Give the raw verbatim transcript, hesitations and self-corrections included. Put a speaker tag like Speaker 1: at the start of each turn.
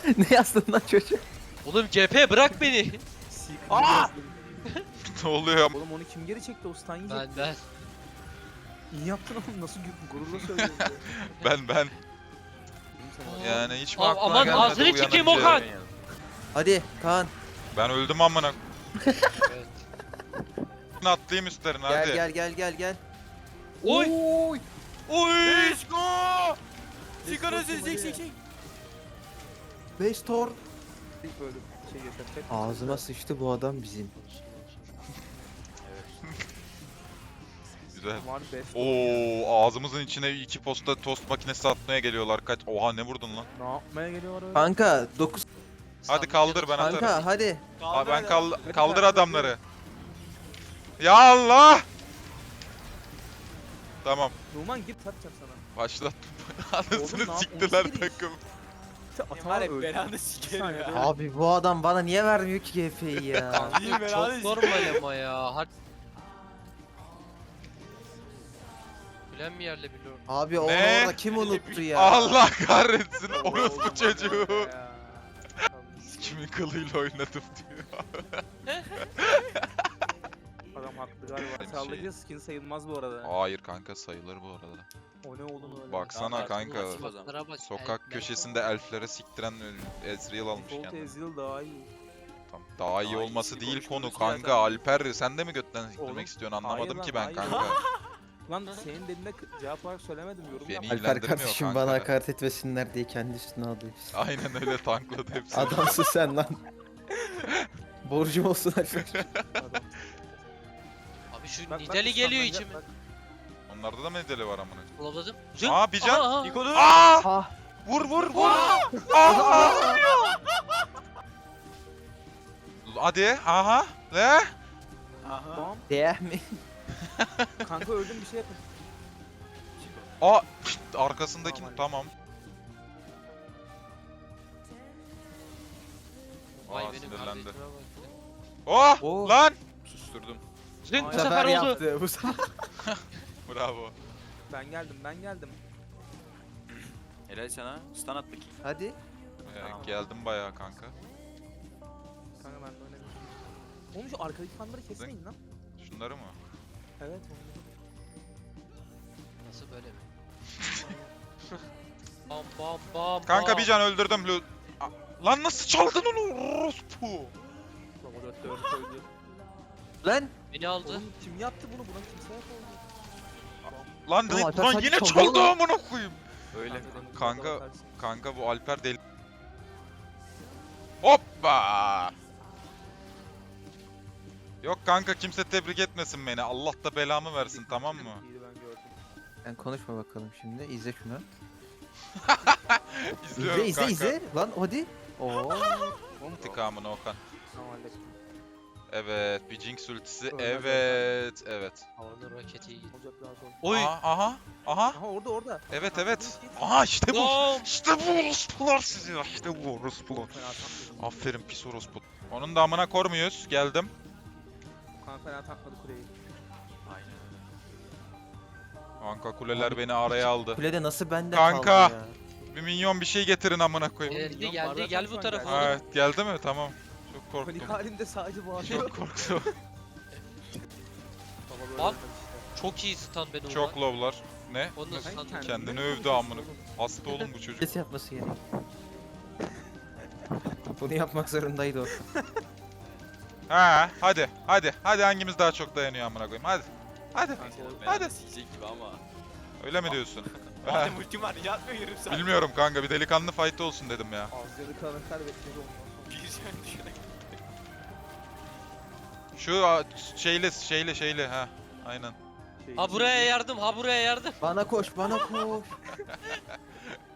Speaker 1: Ne yazdın lan çocuk?
Speaker 2: Oğlum G P bırak beni.
Speaker 3: Aa!
Speaker 4: Ne oluyor?
Speaker 3: Oğlum onu kim geri çekti? O stun yiyecek.
Speaker 2: Ben ben.
Speaker 3: İyi yaptın oğlum. Nasıl gü- gururla söylüyorsun ya.
Speaker 4: Ben ben.
Speaker 3: Dedim sana.
Speaker 4: Yani hiç mi
Speaker 2: Aa,
Speaker 4: aklına
Speaker 2: aman
Speaker 4: gelmedi
Speaker 2: ağzını çıkayım
Speaker 4: uyanınca?
Speaker 2: Okan.
Speaker 1: Hadi Kaan.
Speaker 4: Ben öldüm amına.
Speaker 2: Evet.
Speaker 4: Atlayayım üstlerine
Speaker 1: Gel
Speaker 4: hadi.
Speaker 1: gel gel gel gel.
Speaker 2: Oy.
Speaker 3: Oy!
Speaker 4: Oy!
Speaker 5: Let's go! Sigara
Speaker 3: Let's go,
Speaker 5: çek
Speaker 3: hadi.
Speaker 5: çek çek.
Speaker 1: Beş tor.
Speaker 3: Böyle şey yaşatacak.
Speaker 1: Ağzıma sıçtı bu adam bizim.
Speaker 4: Güzel.
Speaker 3: Var best.
Speaker 4: Oo, ağzımızın içine iki posta tost makinesi atmaya geliyorlar. Kaç? Oha ne vurdun lan?
Speaker 3: Ne yapmaya geliyor öyle?
Speaker 1: Kanka dokuz.
Speaker 4: Hadi kaldır ben atarım.
Speaker 1: Kanka hadi.
Speaker 4: Aa, ben kal
Speaker 3: Hadi
Speaker 4: kaldır
Speaker 3: kanka,
Speaker 4: adamları. Ya Allah! Tamam.
Speaker 3: Numan git satacağım sana.
Speaker 4: Başlattım.
Speaker 3: Oğlum,
Speaker 4: Anasını
Speaker 3: ne yap-
Speaker 4: siktiler
Speaker 3: on sekiz.
Speaker 4: takım.
Speaker 3: Sen
Speaker 5: Var
Speaker 3: atağa
Speaker 5: ya
Speaker 3: öldün.
Speaker 5: belanı
Speaker 3: Bir
Speaker 5: sikerim
Speaker 3: saniye
Speaker 5: ya.
Speaker 3: be.
Speaker 1: Abi bu adam bana niye vermiyor ki G F'yi ya?
Speaker 5: İyi belanı
Speaker 2: Çok normal ama ya. Hadi. Bilen mi yerle biliyorum.
Speaker 1: Abi onu
Speaker 4: Ne?
Speaker 1: orada kim unuttu ya?
Speaker 4: Allah kahretsin
Speaker 3: Oğlum,
Speaker 4: orospu
Speaker 3: oğlum,
Speaker 4: çocuğu.
Speaker 3: ya.
Speaker 4: Kimin kılıyla oynadım diyor.
Speaker 3: Adam haklı galiba.
Speaker 4: Benim
Speaker 3: Sağlıklı
Speaker 4: şey-
Speaker 3: skin sayılmaz bu arada.
Speaker 4: Hayır kanka sayılır bu arada.
Speaker 3: O ne oğlum öyle?
Speaker 4: Baksana
Speaker 5: Ya,
Speaker 4: kanka.
Speaker 5: artık bu
Speaker 2: Sokaklara bak,
Speaker 4: Sokak
Speaker 2: el-
Speaker 4: köşesinde elflere siktiren Ezreal almış
Speaker 3: Default
Speaker 4: kendini.
Speaker 3: Ezreal daha iyi.
Speaker 4: Tamam, daha iyi
Speaker 5: Daha
Speaker 4: olması
Speaker 5: iyisini
Speaker 4: değil konu
Speaker 5: konuşuyoruz
Speaker 4: kanka.
Speaker 3: zaten.
Speaker 4: Alper sen de mi götten
Speaker 3: Oğlum,
Speaker 4: siktirmek istiyorsun anlamadım
Speaker 3: hayır
Speaker 4: ki
Speaker 3: lan,
Speaker 4: ben
Speaker 3: hayır.
Speaker 4: kanka.
Speaker 3: Lan senin dediğine k- cevap olarak söylemedim yorum
Speaker 4: Beni
Speaker 3: yap.
Speaker 4: ilgilendirmiyor
Speaker 1: Alper kardeşim
Speaker 4: kanka.
Speaker 1: bana hakaret etmesinler diye kendi üstüne alıyor.
Speaker 4: Aynen öyle tankladı hepsini.
Speaker 1: Adamsın sen lan. Borcum olsun Alper.
Speaker 3: Adam.
Speaker 2: Abi şu
Speaker 3: Bak, bak,
Speaker 2: Nidali geliyor
Speaker 3: ıslanacak,
Speaker 2: içime.
Speaker 3: bak.
Speaker 4: Onlarda da medeli var amına.
Speaker 2: Kılavuzum.
Speaker 4: Aa bir can.
Speaker 2: Aa,
Speaker 5: Nikodu.
Speaker 4: Aa!
Speaker 1: Ah.
Speaker 4: Vur vur vur. Aa! Hadi aha. Ne?
Speaker 5: Aha.
Speaker 3: Bam.
Speaker 1: Değer mi?
Speaker 3: Kanka öldüm bir şey yapın.
Speaker 4: Aa pişt, arkasındaki
Speaker 3: Tamam.
Speaker 4: tamam.
Speaker 2: Vay
Speaker 4: Aa
Speaker 2: benim
Speaker 4: sinirlendi.
Speaker 2: kardeşime bak.
Speaker 4: Oh
Speaker 1: Oo.
Speaker 4: lan. Susturdum.
Speaker 2: Zing, bu
Speaker 3: Bu
Speaker 1: Bu
Speaker 2: sefer
Speaker 1: sefer
Speaker 2: oldu.
Speaker 1: yaptı. Bu sefer.
Speaker 4: Bravo.
Speaker 3: Ben geldim ben geldim.
Speaker 5: Helal sana. Stun at bakayım.
Speaker 1: Hadi.
Speaker 4: Ee,
Speaker 5: Tamam.
Speaker 4: geldim bayağı kanka.
Speaker 3: Kanka ben de oynamıyorum. Oğlum şu arkadaki fanları kesmeyin lan.
Speaker 4: Şunları mı?
Speaker 3: Evet onları.
Speaker 2: Nasıl böyle mi? Bam bam bam.
Speaker 4: Kanka
Speaker 2: bam.
Speaker 4: bir can öldürdüm. Lu- A- Lan nasıl çaldın onu orospu?
Speaker 3: Baba dört dört koydu.
Speaker 1: Lan.
Speaker 2: Beni aldı.
Speaker 3: Oğlum kim yaptı bunu? Buna kimse yapamadı.
Speaker 4: Lan,
Speaker 1: Oğlum,
Speaker 4: lan,
Speaker 1: Alper
Speaker 4: lan
Speaker 1: sanki
Speaker 4: yine
Speaker 1: çaldı
Speaker 4: çaldı
Speaker 1: lan.
Speaker 4: amına koyayım.
Speaker 5: Öyle.
Speaker 3: demin
Speaker 4: Kanka-
Speaker 3: burada bakarsın.
Speaker 4: Kanka bu Alper deli. Hoppa! Yok kanka kimse tebrik etmesin beni. Allah da belamı versin tamam mı?
Speaker 3: İyiydi ben gördüm.
Speaker 1: Sen konuşma bakalım şimdi. İzle şunu.
Speaker 4: İzliyorum
Speaker 1: İzle izle
Speaker 4: kanka.
Speaker 1: izle. Lan hadi. Oo.
Speaker 3: Oğlum
Speaker 4: İntikamını Okan.
Speaker 3: tamam hallettim.
Speaker 4: Evet, bir Jinx ultisi.
Speaker 3: Ölmez
Speaker 4: Evet, evet.
Speaker 2: Havanın roketi iyi.
Speaker 3: Olacak daha sonra.
Speaker 2: Oy.
Speaker 4: Aha, aha, aha.
Speaker 3: Aha orada orada.
Speaker 4: Evet,
Speaker 3: Kanka,
Speaker 4: evet.
Speaker 3: git, git.
Speaker 4: Aha işte bu.
Speaker 2: Bam.
Speaker 4: İşte bu orospular sizi. İşte bu orospular.
Speaker 3: Fena tankladı.
Speaker 4: Aferin pis orospu. Onun da amına kor muyuz? Geldim.
Speaker 3: Kanka fena tankladı kuleyi.
Speaker 5: Aynen.
Speaker 4: Kanka kuleler beni araya aldı.
Speaker 1: Kulede nasıl bende
Speaker 4: Kanka.
Speaker 1: kaldı ya?
Speaker 4: Bir minyon bir şey getirin amına koyayım.
Speaker 2: Geldi
Speaker 3: milyon
Speaker 2: geldi
Speaker 3: bardak
Speaker 2: gel
Speaker 3: şu
Speaker 2: bu
Speaker 3: an
Speaker 2: tarafa
Speaker 3: geldi.
Speaker 2: oğlum.
Speaker 4: Evet, geldi mi? Tamam. Çok
Speaker 3: Panik
Speaker 4: korktum.
Speaker 3: halinde sadece bağırıyor.
Speaker 4: Çok korktum.
Speaker 3: Baba böyle
Speaker 2: Bak.
Speaker 3: ölmedi işte.
Speaker 2: Çok iyi stun beni
Speaker 4: Çok
Speaker 2: Çok
Speaker 4: low'lar. Ne?
Speaker 2: Onu
Speaker 3: Sen
Speaker 2: stun.
Speaker 3: kendini
Speaker 4: Kendini
Speaker 3: mi
Speaker 4: övdü
Speaker 3: konuşuyorsun
Speaker 4: amına.
Speaker 3: oğlum?
Speaker 4: Hasta oğlum bu çocuk.
Speaker 1: Ses yapması gerek. Bunu yapmak zorundaydı o.
Speaker 4: Ha, hadi, hadi, hadi hangimiz daha çok dayanıyor amına koyayım? Hadi, hadi.
Speaker 3: Kanka o-
Speaker 4: Hadi.
Speaker 5: Hadi. Sikecek gibi ama.
Speaker 4: Öyle mi diyorsun?
Speaker 5: Madem ultim var yatmıyor yarım saat.
Speaker 4: Bilmiyorum kanka, bir delikanlı fight olsun dedim ya.
Speaker 3: Ağızları kalanıklar bekledi ondan sonra.
Speaker 5: Bir can düşerek.
Speaker 4: Şu a, şeyle, şeyle, şeyle ha. Aynen.
Speaker 3: Şey-
Speaker 2: Ha buraya yardım ha buraya yardım.
Speaker 1: Bana koş bana koş.